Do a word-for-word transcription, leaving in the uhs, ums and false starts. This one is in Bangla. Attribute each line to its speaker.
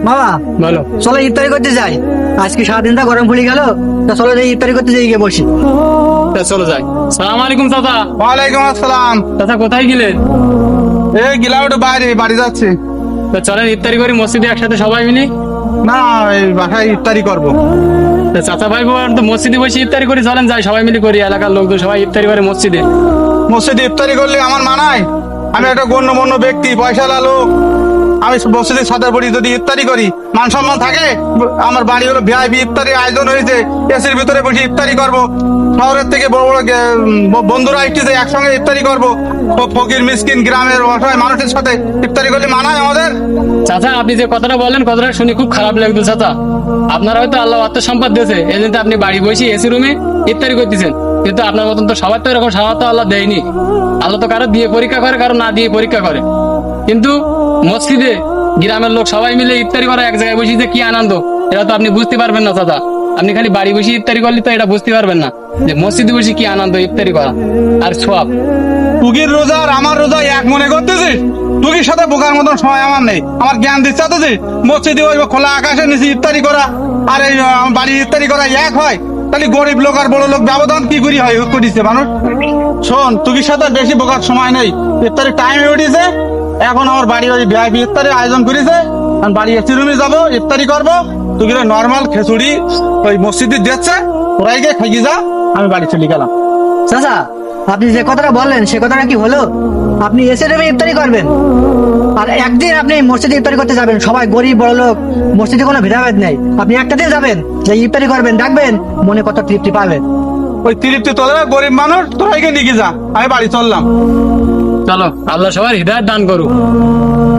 Speaker 1: বাবা
Speaker 2: বলো।
Speaker 1: চলো ইফতারি করতে যাই, আজকে সারাদিনটা গরম পড়ে গেল, তা চলো যাই ইফতারি করতে যাই, গিয়ে বসি।
Speaker 2: তা চলো যাই। সালাম আলাইকুম চাচা।
Speaker 3: ওয়ালাইকুম আসসালাম।
Speaker 2: চাচা কোথায় গেলেন?
Speaker 3: এই গেলাম একটু বাইরে, বাড়ি যাচ্ছি।
Speaker 2: তা চলেন ইফতারি করি মসজিদে একসাথে সবাই মিলে।
Speaker 3: না, এই বাসায় ইফতারি করবো।
Speaker 2: তা চাচা ভাই বোন তো মসজিদে বসে ইফতারি করি, চলেন যাই সবাই মিলে করি। এলাকার লোকজন সবাই ইফতারি করে মসজিদে।
Speaker 3: মসজিদে ইফতারি করলে আমার মানায়? আমি একটা গণ্যমান্য ব্যক্তি, পয়সাওয়ালা লোক, আমি মসজিদের সাথে পড়ি, যদি ইফতারি করি মান সম্মান থাকে? আমার বাড়ি হলো ভিআইপি, ইফতারি আয়োজন হয়েছে, এসির ভিতরে বসে ইফতারি করব। শহরের থেকে বড় বড় গে- বন্ধুরা আসছে, একসঙ্গে ইফতারি করব। ফ- ফকির মিসকিন গ্রামের অসহায় মানুষের সাথে ইফতারি করলে মানায় আমাদের?
Speaker 2: চাচা আপনি যে কথাটা বললেন, কথাটা শুনে খুব খারাপ লাগতো চাচা। আপনার হয়তো আল্লাহ আত্ম সম্পদ দিয়েছে, এই জন্য আপনি বাড়ি বসে এসি রুমে ইফতারি করতেছেন, কিন্তু আপনার মতন তো সবার তো এরকম সামর্থ্য আল্লাহ দেয়নি। আল্লাহ তো কারো দিয়ে পরীক্ষা করে, কারো না দিয়ে পরীক্ষা করে। কিন্তু মসজিদে গ্রামের লোক সবাই মিলে ইফতারি করা, এক জায়গায় বসে যে কি আনন্দ, এটা তো আপনি বুঝতে পারবেন না চাচা। আপনি খালি বাড়ি বসে ইফতারি করলে তো এটা বুঝতে পারবেন না যে মসজিদে বসে কি আনন্দ ইফতারি করা আর সওয়াব।
Speaker 3: তুগির রোজা আর আমার রোজা এক মনে করতেছিস? তুগির সাথে বোকার মতন সময় আমার নেই, আমার জ্ঞান দিচ্ছে তো যে মসজিদে ওই খোলা আকাশের নিচে ইফতারি করা আর এই আহ, বাড়ি ইফতারি করা এক হয়? তাহলে গরিব লোক আর বড় লোক ব্যবধান কি করি হয় করিছে মানুষ? শোন, তুগির সাথে বেশি বোকার সময় নেই, ইফতারি টাইম উঠেছে। এখন আমার বাড়ি ওই ভিআইপি ইফতারি আয়োজন করেছে, আমি বাড়ি এসি রুমে যাবো, ইফতারি করবো। তুগির নর্মাল খিচুড়ি ওই মসজিদে দিচ্ছে, ওরাই গিয়ে খাইয়ে যা, আমি বাড়ি চলে গেলাম।
Speaker 1: চাচা আপনি যে কথাটা বললেন সে কথাটা কি হলো? আপনি এসে রুমে ইফতারি করবেন, আর একদিন আপনি মসজিদে ইফতারি করতে যাবেন, সবাই গরিব বড় লোক, মসজিদে কোনো ভেদাভেদ নেই। আপনি একটা দিন যাবেন, যে ইফতারি করবেন, ডাকবেন, মনে কত তৃপ্তি পাবেন।
Speaker 3: ওই তৃপ্তি তোরা গরিব মানুষ, তোরাই গিয়ে নিয়ে যা, আমি বাড়ি চললাম।
Speaker 2: চলো, আল্লাহ সবার হৃদয়াত দান করুক।